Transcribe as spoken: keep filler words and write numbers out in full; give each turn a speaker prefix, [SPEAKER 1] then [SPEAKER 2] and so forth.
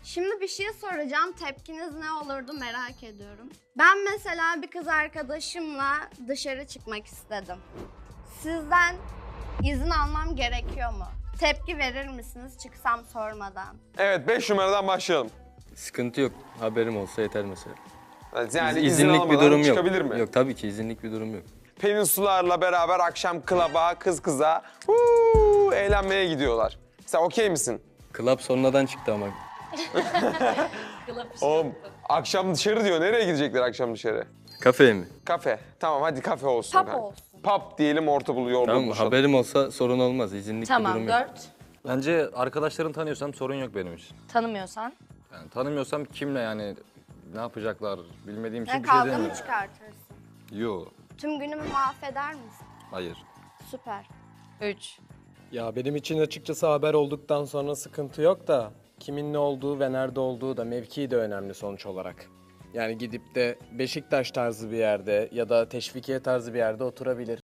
[SPEAKER 1] Şimdi bir şey soracağım. Tepkiniz ne olurdu merak ediyorum. Ben mesela bir kız arkadaşımla dışarı çıkmak istedim. Sizden izin almam gerekiyor mu? Tepki verir misiniz çıksam sormadan?
[SPEAKER 2] Evet, beş numaradan başlayalım.
[SPEAKER 3] Sıkıntı yok. Haberim olsa yeter mesela.
[SPEAKER 2] Yani
[SPEAKER 3] İz-
[SPEAKER 2] izin
[SPEAKER 3] izinlik bir
[SPEAKER 2] almadan
[SPEAKER 3] durum yok.
[SPEAKER 2] çıkabilir mi?
[SPEAKER 3] Yok tabii ki izinlik bir durum yok.
[SPEAKER 2] Peninsularla beraber akşam klaba, kız kıza huu, eğlenmeye gidiyorlar. Sen okey misin?
[SPEAKER 3] Club sonradan çıktı ama.
[SPEAKER 2] Oğlum akşam dışarı diyor. Nereye gidecekler akşam dışarı?
[SPEAKER 3] Kafeye mi?
[SPEAKER 2] Kafe. Tamam hadi kafe olsun.
[SPEAKER 1] Pub
[SPEAKER 2] kanka.
[SPEAKER 1] olsun.
[SPEAKER 2] Pub diyelim orta buluyor orada
[SPEAKER 3] Tamam
[SPEAKER 2] buluşalım.
[SPEAKER 3] haberim olsa sorun olmaz. İzinlik bir
[SPEAKER 4] Tamam,
[SPEAKER 3] durum yok.
[SPEAKER 4] dört.
[SPEAKER 5] Bence arkadaşlarını tanıyorsam sorun yok benim için.
[SPEAKER 4] Tanımıyorsan.
[SPEAKER 5] Yani tanımıyorsam kimle yani ne yapacaklar bilmediğim için
[SPEAKER 1] Ne
[SPEAKER 5] bir şey
[SPEAKER 1] kavga mı
[SPEAKER 5] demiyorum.
[SPEAKER 1] çıkartırsın?
[SPEAKER 5] Yo,
[SPEAKER 1] Tüm günümü mahveder misin?
[SPEAKER 5] hayır.
[SPEAKER 1] Süper.
[SPEAKER 4] Üç.
[SPEAKER 6] Ya benim için açıkçası haber olduktan sonra sıkıntı yok da kimin ne olduğu ve nerede olduğu da mevkii de önemli sonuç olarak. Yani gidip de Beşiktaş tarzı bir yerde ya da Teşvikiye tarzı bir yerde oturabilir.